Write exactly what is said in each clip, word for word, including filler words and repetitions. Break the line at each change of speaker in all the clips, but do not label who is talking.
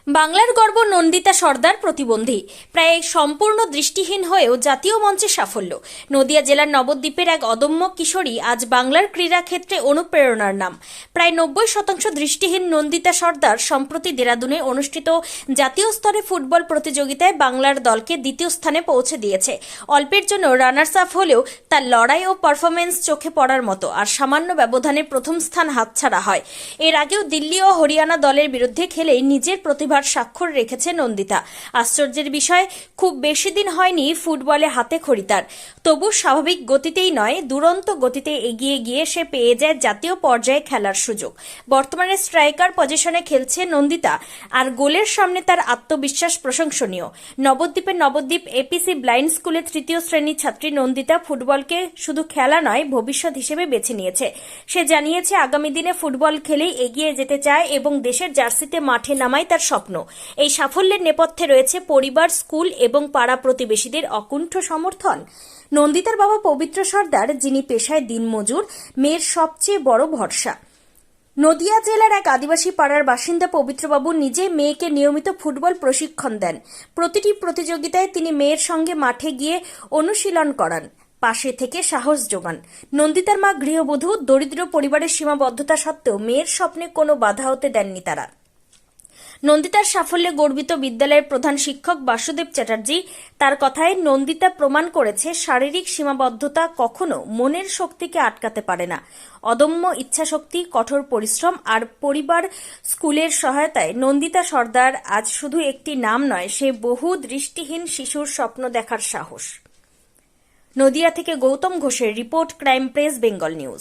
বাংলার গর্ব নন্দিতা সর্দার প্রতিবন্ধী, প্রায় সম্পূর্ণ দৃষ্টিহীন হয়েও জাতীয় মঞ্চে সাফল্য। নদিয়া জেলার নবদ্বীপের এক অদম্য কিশোরী আজ বাংলার ক্রীড়াক্ষেত্রে অনুপ্রেরণার নাম। প্রায় নব্বই শতাংশ দৃষ্টিহীন নন্দিতা সর্দার সম্প্রতি দেরাদুনে অনুষ্ঠিত জাতীয় স্তরে ফুটবল প্রতিযোগিতায় বাংলার দলকে দ্বিতীয় স্থানে পৌঁছে দিয়েছে। অল্পের জন্য রানার্স আপ হলেও তার লড়াই ও পারফরমেন্স চোখে পড়ার মতো, আর সামান্য ব্যবধানে প্রথম স্থান হাতছাড়া হয়। এর আগেও দিল্লি ও হরিয়ানা দলের বিরুদ্ধে খেলেই নিজের প্রতিভা স্বাক্ষর রেখেছে নন্দিতা। আশ্চর্যের বিষয়, খুব বেশি দিন হয়নি ফুটবলে হাতে খড়ি তার, তবু স্বাভাবিক গতিতেই নয়, দুরন্ত গতিতে এগিয়ে গিয়ে সে পেয়ে যায় জাতীয় পর্যায়ে খেলার সুযোগ। বর্তমানে স্ট্রাইকার পজিশনে খেলছে নন্দিতা, আর গোলের সামনে তার আত্মবিশ্বাস প্রশংসনীয়। নবদ্বীপের নবদ্বীপ এপিসি ব্লাইন্ড স্কুলে তৃতীয় শ্রেণীর ছাত্রী নন্দিতা ফুটবলকে শুধু খেলা নয়, ভবিষ্যৎ হিসেবে বেছে নিয়েছে। সে জানিয়েছে আগামী দিনে ফুটবল খেলেই এগিয়ে যেতে চায় এবং দেশের জার্সিতে মাঠে নামাই তার স্বপ্ন। এই সাফল্যের নেপথ্যে রয়েছে পরিবার, স্কুল এবং পাড়া প্রতিবেশীদের অকুণ্ঠ সমর্থন। নন্দিতার বাবা পবিত্র সর্দার, যিনি পেশায় দিনমজুর, মেয়ের সবচেয়ে বড় ভরসা। নদিয়া জেলার এক আদিবাসী পাড়ার বাসিন্দা পবিত্রবাবু নিজে মেয়েকে নিয়মিত ফুটবল প্রশিক্ষণ দেন। প্রতিটি প্রতিযোগিতায় তিনি মেয়ের সঙ্গে মাঠে গিয়ে অনুশীলন করান, পাশে থেকে সাহস যোগান। নন্দিতার মা গৃহবধূ, দরিদ্র পরিবারের সীমাবদ্ধতা সত্ত্বেও মেয়ের স্বপ্নে কোনো বাধা হতে দেননি তারা। নন্দিতার সাফল্যে গর্বিত বিদ্যালয়ের প্রধান শিক্ষক বাসুদেব চ্যাটার্জি। তার কথায়, নন্দিতা প্রমাণ করেছে শারীরিক সীমাবদ্ধতা কখনো মনের শক্তিকে আটকাতে পারে না। অদম্য ইচ্ছাশক্তি, কঠোর পরিশ্রম আর পরিবার, স্কুলের সহায়তায় নন্দিতা সর্দার আজ শুধু একটি নাম নয়, সে বহু দৃষ্টিহীন শিশুর স্বপ্ন দেখার সাহস। নদিয়া থেকে গৌতম ঘোষের report, crime press Bengal news.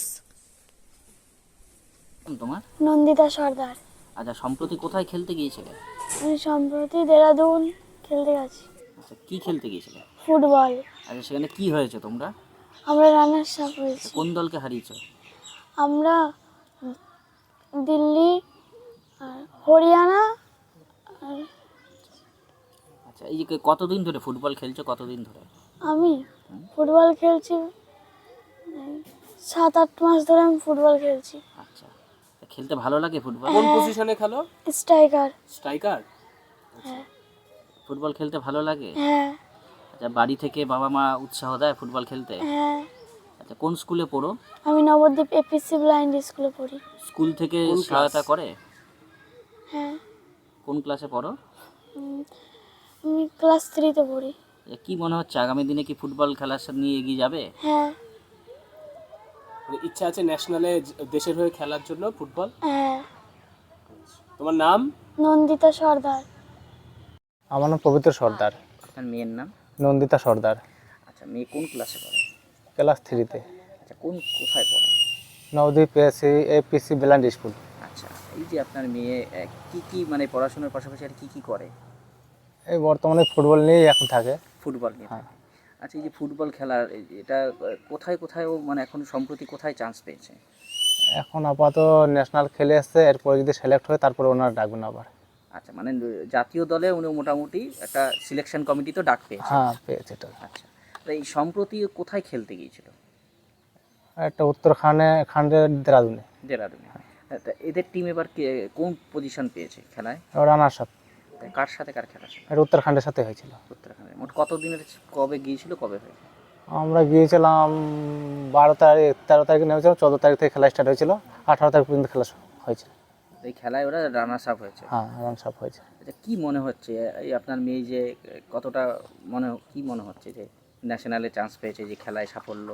তোমার
নন্দিতা সর্দার।
আচ্ছা, সম্প্রতি কোথায় খেলতে গিয়েছিলে?
আমি সম্প্রতি দেরাদুন খেলতে গেছি।
আচ্ছা, কি খেলতে গিয়েছিলে?
ফুটবল।
আচ্ছা, সেখানে কি হয়েছে তোমরা?
আমরা রানার্স আপ হয়েছি।
কোন দলকে হারিয়েছো?
আমরা দিল্লি আর হরিয়ানা আর
আচ্ছা, এই যে কতদিন ধরে ফুটবল খেলছো? কতদিন ধরে?
আমি ফুটবল খেলছি এই সাত আট মাস ধরে আমি ফুটবল খেলছি।
আচ্ছা, খেলতে ভালো লাগে ফুটবল?
কোন পজিশনে খেলো?
স্ট্রাইকার।
স্ট্রাইকার।
হ্যাঁ
ফুটবল খেলতে ভালো লাগে?
হ্যাঁ
আচ্ছা, বাড়ি থেকে বাবা মা উৎসাহ দেয় ফুটবল খেলতে?
হ্যাঁ।
আচ্ছা, কোন স্কুলে পড়ো?
আমি নবদ্বীপ এপিসি ব্লাইন্ড স্কুলে পড়ি।
স্কুল থেকে
কোন
সহায়তা
ক্লাস?
করে?
হ্যাঁ,
কোন ক্লাসে পড়ো?
উম, আমি ক্লাস থ্রিতে পড়ি।
আচ্ছা, কি মনে হচ্ছে আগামী দিনে কি ফুটবল খেলার সাথে নিয়ে এগিয়ে যাবে?
হ্যাঁ
মানে ইচ্ছা আছে ন্যাশনালে দেশের হয়ে খেলার জন্য ফুটবল?
হ্যাঁ।
তোমার নাম?
নন্দিতা সর্দার।
আমার নাম পবিত্র সর্দার।
আপনার মেয়ের নাম?
নন্দিতা সর্দার।
আচ্ছা, মেয়ে কোন ক্লাসে পড়ে?
ক্লাস থ্রিতে।
আচ্ছা, কোন কোথায় পড়ে?
নবদ্বীপ এসি এপিসি বেলান্ড স্কুল।
আচ্ছা, এই যে আপনার মেয়ে আহ, কি কি মানে পড়াশোনার পাশাপাশি আর কি কি করে?
এই বর্তমানে ফুটবল নিয়েই এখন থাকে।
ফুটবল নিয়ে
হ্যাঁ।
থাকে। আচ্ছা, এই যে ফুটবল খেলার এই যে এটা আহ, কোথায় কোথায় ও মানে এখন সম্প্রতি কোথায় চান্স পেয়েছে?
এখন আপাতত ন্যাশনাল খেলে এসছে, এরপরে যদি সিলেক্ট হয় তারপরে ওনারা ডাকবেন আবার।
আচ্ছা, মানে জাতীয় দলে উনি মোটামুটি একটা সিলেকশন কমিটি তো ডাক পেয়েছে।
হ্যাঁ, পেয়েছে এটা।
আচ্ছা, তো এই সম্প্রতি ও কোথায় খেলতে গিয়েছিল?
একটা উত্তরখানে খান্ডের দেরাদুনে।
দেরাদুনে। তা এদের টিম এবার কে কোন পজিশন পেয়েছে খেলায়?
Runners up.
তা কার সাথে কার খেলা ছিল?
এটা উত্তরখান্ডের সাথে হয়েছিল।
উত্তরাখণ্ডে। মোট কতদিনের কবে গিয়েছিল, কবে হয়েছে?
আমরা গিয়েছিলাম বারো তারিখ, তেরো তারিখে নেমেছিলাম, চোদ্দো তারিখ থেকে খেলা স্টার্ট হয়েছিল, আঠারো তারিখ পর্যন্ত খেলা হয়েছে।
এই খেলায় ওরা রানার্স আপ হয়েছে।
হ্যাঁ, রানার্স আপ হয়েছে।
আচ্ছা, কি মনে হচ্ছে এই আপনার মেয়ে যে কতটা মনে কি মনে হচ্ছে যে ন্যাশনালে চান্স পেয়েছে, যে খেলায় সাফল্য?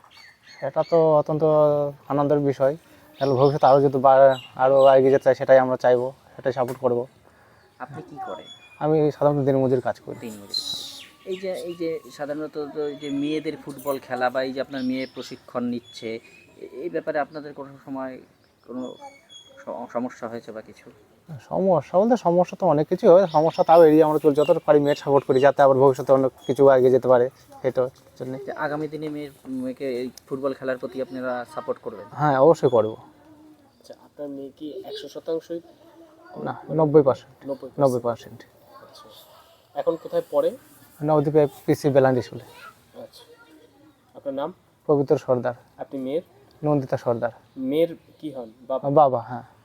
এটা তো অত্যন্ত আনন্দের বিষয়। তাহলে ভবিষ্যতে আরও যদি বা- আরও এগিয়ে যেতে চাই, সেটাই আমরা চাইবো, সেটাই সাপোর্ট করব।
আপনি কি করেন?
আমি সাধারণত দিনমজুর কাজ করি।
দিন মজুরি। এই যে এই যে সাধারণত তো এই যে মেয়েদের ফুটবল খেলা বা এই যে আপনার মেয়ে প্রশিক্ষণ নিচ্ছে, এ- এই ব্যাপারে আপনাদের কোনো সময় কোনো স- সমস্যা হয়েছে বা কিছু?
সমস্যা বলতে সমস্যা তো অনেক কিছু হয়, সমস্যা তাও এড়িয়ে আমরা চলছি, যতটা পারি মেয়ের সাপোর্ট করি, যাতে আবার ভবিষ্যতে অনেক কিছু এগিয়ে যেতে পারে, সেটার জন্য।
যে আগামী দিনে মেয়ের মেয়েকে এই ফুটবল খেলার প্রতি আপনারা সাপোর্ট করবেন?
হ্যাঁ, অবশ্যই করবো।
আচ্ছা, আপনার মেয়ে কি একশো শতাংশই?
না, নব্বই পার্সেন্ট।
নব্বই
নব্বই পার্সেন্ট।
আচ্ছা, এখন কোথায় পড়ে?
নবদ্বীপে পিসি বেলান্ড স্কুলে।
আচ্ছা, আপনার নাম?
পবিত্র সর্দার।
আপনি মেয়ের?
নন্দিতা সর্দার।
মেয়ের কি হন? বাবা?
বাবা, হ্যাঁ।